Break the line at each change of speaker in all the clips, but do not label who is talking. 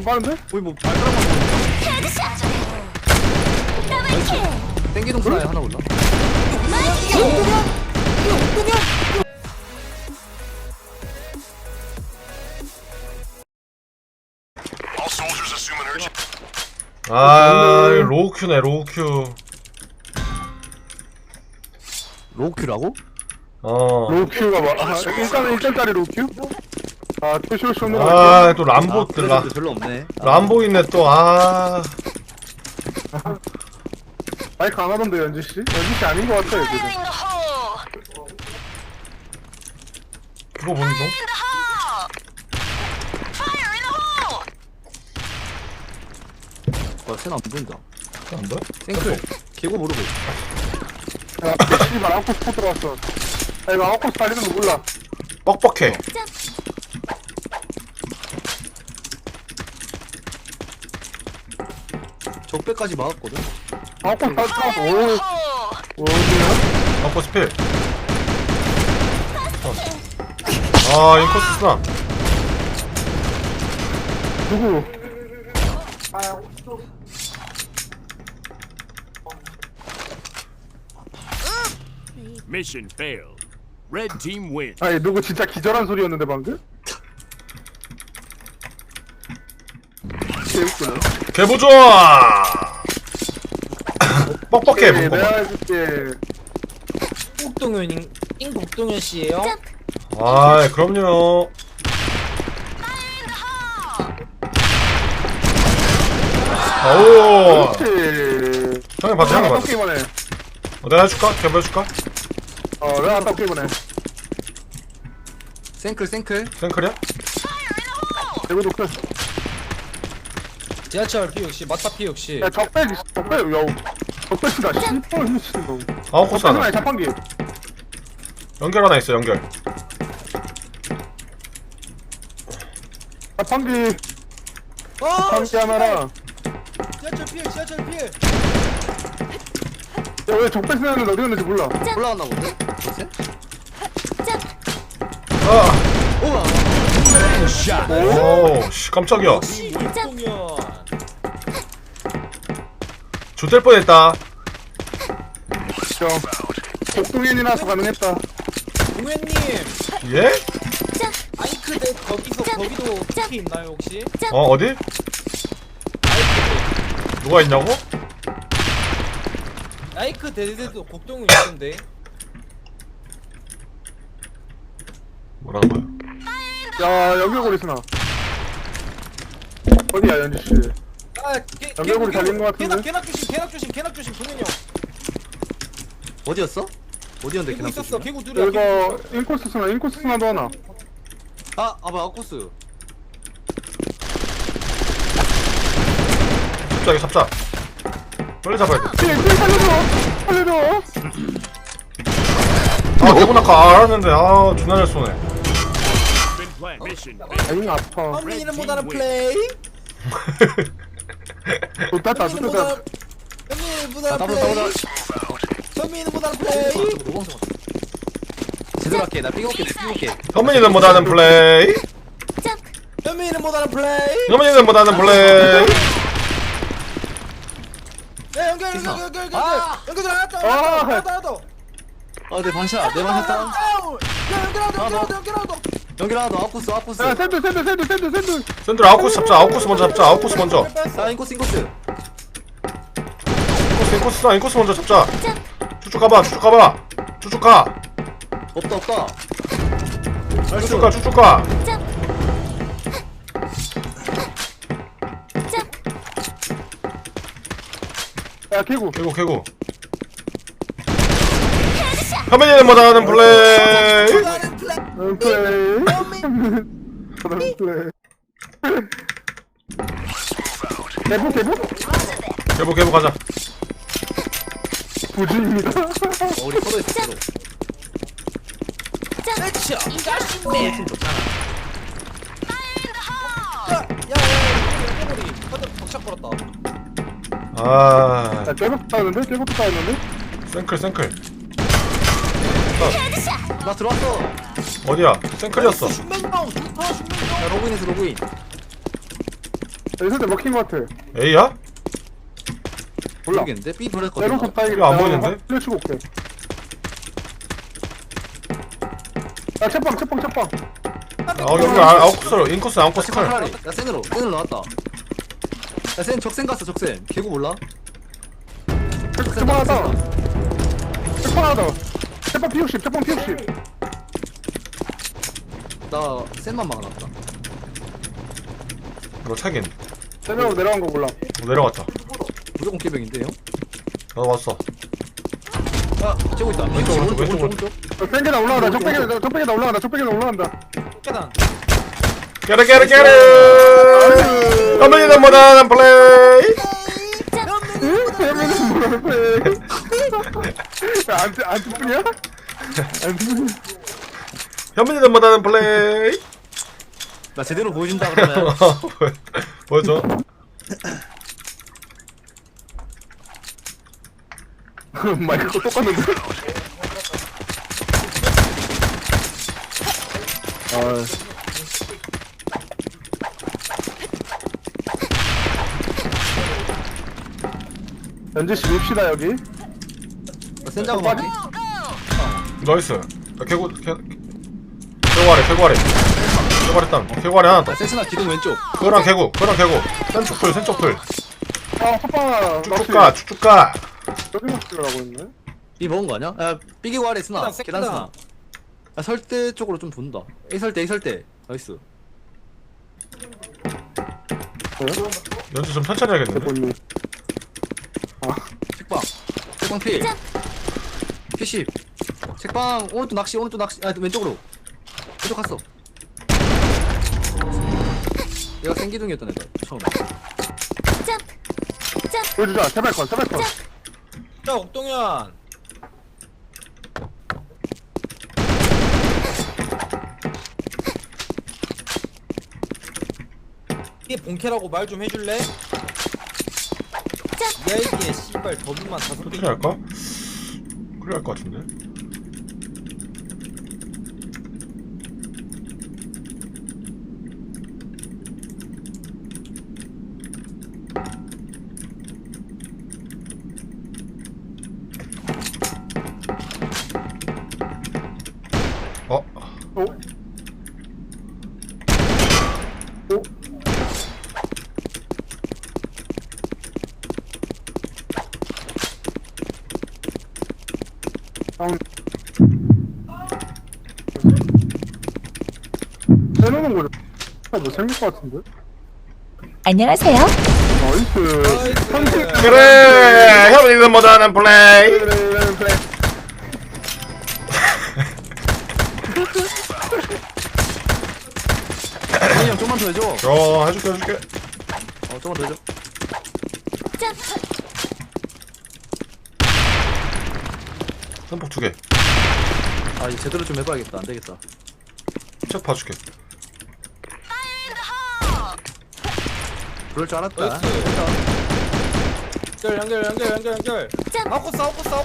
빠른데?
거의 뭐 발가락만 보는데? 땡기동 스나에 하나 올라.
아 로우큐네 로우큐.
로우큐라고?
어.
로우큐가 뭐, 일단은 1점짜리 로우큐? 아, 표시오쇼는
아 또 람보 라
별로 없네.
람보 있네 또. 아
마이크 안 하던데, 연지씨? 연지씨 아닌 것 같아요, 지금.
그거 보는 중.
와, 쟤는 안 보인다.
안 보여?
생클. 개고 모르고.
야, 씨발, 아웃코스 포 들어왔어. 야, 이거 아웃코스 달리는 거 몰라.
뻑뻑해.
적배까지 막았거든.
아웃코스 다 들어왔어. 오, 어디야?
뻑뻑 스필. 아 인코스 스나.
누구?
Mission failed. Red team wins.
아니, 누구 진짜 기절한 소리였는데, 방금? 재밌구나.
개보좋아. 뻑뻑해
네,
뻑뻑.
내가 해줄게.
잉복동현 씨예요?
아 그럼요. 오.
그렇지.
형이 봤어 형이
내가
봤어.
게임을 해.
내가 해줄까? 개보 해줄까?
내가 딱 게임을 해.
생클, 생클.
생크리야?
대구 독특.
지하철 P60 마타 P60
야, 적배, 야, 적배시다. 씨발, 미친 놈.
아웃코스 하나.
적배는 자판기.
연결 하나 있어 연결.
자판기,
어!
자판기 하나랑.
지하철 피해 지하철 피해
야, 왜 적배 쓰는데 어디 갔는지 몰라.
올라갔나 본데? 글쎄?
아.
우와!
오, 씨, 깜짝이야.
잉복동현
조될 뻔했다.
복동현이라서 가능했다.
동현님
예?
아이크대 거기도 특히 있나요 혹시?
어디? 누가 있냐고?
아이크 대대도 곡동이 있던데
뭐라는 거야?
야, 연결고리 쓰나. 어디야, 연지씨? 연결고리 달린 것 같은데?
개낙 조심 동현이 형
어디였어? 어디였는데,
개구
걔랑
있었어
쏘시면?
개구 둘이야
이거, 인코스 쓰나, 인코스 쓰나도 하나.
아, 뭐, 아웃코스.
갑자기 잡자. 빨리 잡아야 돼.
살려줘!
아, 대본 아까 알았는데, 존나 잘 쏘네.
Been planned. Mission
아잉, 아파.
현민이는 못하는 플레이
좋다,
현민이는
좋다.
못하는 플레이 현민이는 못하는 플레이
제대로 할게. 나 삐걱게, 삐걱게.
현민이는 못하는 플레이.
현민이는 못하는 플레이
현민이는 못하는 플레이.
야 연결
아!
나왔다
아, 내 반샷, 내 반샷 다운. 연결 하나 더, 아웃코스, 아웃코스.
야, 샌드.
샌들 아웃코스 잡자. 아웃코스 먼저 잡자. 아웃코스 먼저.
아, 인코스, 인코스.
인코스 먼저 잡자. 쭉쭉 가봐. 쭉쭉 가.
없다.
쭉쭉 가.
야, 개구.
개구. 현민이는 못하는 플레이.
플레이. 개구?
개보 가자.
부주입니다.
우리 서로 있어, 서로.
팀 좋잖아 야야야 연결고리 벅착 걸었다
아,
야, 개구 따였는데?
생클.
나 들어왔어.
어디야? 생클이었어.
슈맨다운 좋다 슈맨다운
야, 로그인해서 로그인.
있을 때 먹힌 것 같아.
A야?
몰라.
모르겠는데? B 보냈거든.
내려서 다행이다.
이거 안 보이는데?
플래 치고 올게. 야, 채빵.
여기 아웃코스 인코스 아웃코스
색깔
칼.
차라리. 야 센으로 나왔다. 야센 적센 갔어 적센. 개구 몰라?
채빵 하나. 채빵 P60, 채빵 P60.
나 센만 막아놨다.
이거 차긴.
세명으로 내려간 거 몰라.
내려갔다.
무조건 깨병인데 형?
나도 왔어.
아 쬐고 있다.
왼쪽.
뺑개다 올라간다. 적뺑개다 올라간다.
계단.
깨르. 현민이는 못하는 플레이.
안 듣냐?
현민이는 못하는 플레이.
나 제대로 보여준다 그러면.
보여줘.
마이크 똑같은데? 연지씨 밉시다 여기.
센 작업 맞지?
나이스. 개구 아래 하나 더.
센스나 기둥 왼쪽.
그거랑 개구. 센쪽 풀.
아 호빵아
쭉쭉 가.
여기 먹으라고 했네.
B 먹은 거 아니야? 야 삐기고 아래 스나.
세다,
계단 스나. 야 설대 쪽으로 좀 돈다. A 설대. 나이스.
연주 좀 천천히 해야겠는데.
대본님.
책방 필. P10. 책방 오른쪽 낚시. 아 왼쪽으로. 왼쪽 갔어. 얘가 생기둥이었던 애다 처음에.
보여주자. 제발 건.
자 옥동현. 이게 본캐라고 말 좀 해줄래? 야 이게 씨발 더블만 5개.
천천히 할까? 그래 할것 같은데.
오. 해놓는 거죠. 뭐 생길 것 같은데?
안녕하세요.
나이스.
그래 현민이는 못하는 플레이.
형이 형 좀만 더 해줘.
해줄게.
좀만 더 해줘.
선폭 2개.
아 이거 제대로 좀 해봐야겠다. 안 되겠다.
책 봐줄게.
그럴 줄 알았다.
나이스. 연결. 아웃코스.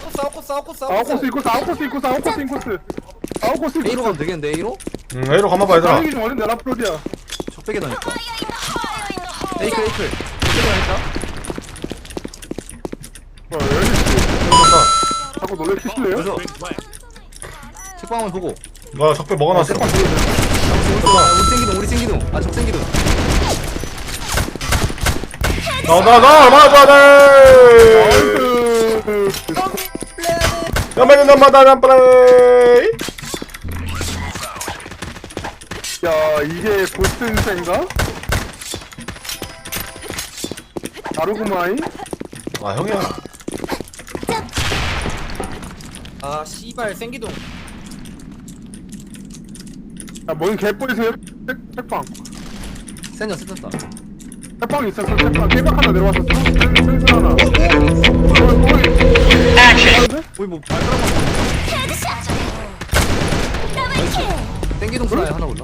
아웃코스
A로 가면 되겠는데 A로?
A로 가만봐 얘들아.
다행이 좀 어린데 라프로디야.
적배게 다니까. 에이클. 적배게 다니까.
자꾸 놀래키실래요?
그래서
Been planted.
책방을 보고.
나 적배 먹어놨어.
우리 생기둥. 아 적생기둥.
나 맞아. 현민이는 못하는 플레이.
야 이게 보스 인생가? 다르구마이?
아 형이야.
아 씨발 생기동.
야뭔 개뿔이세요? 책방
센년 셌었다.
책방 있었어. 책방 깨박 하나 내려왔어. 셀 하나.
거의 뭐 발가락만. 땡기동 스나에 하나 올라.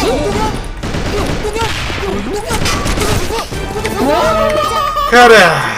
그래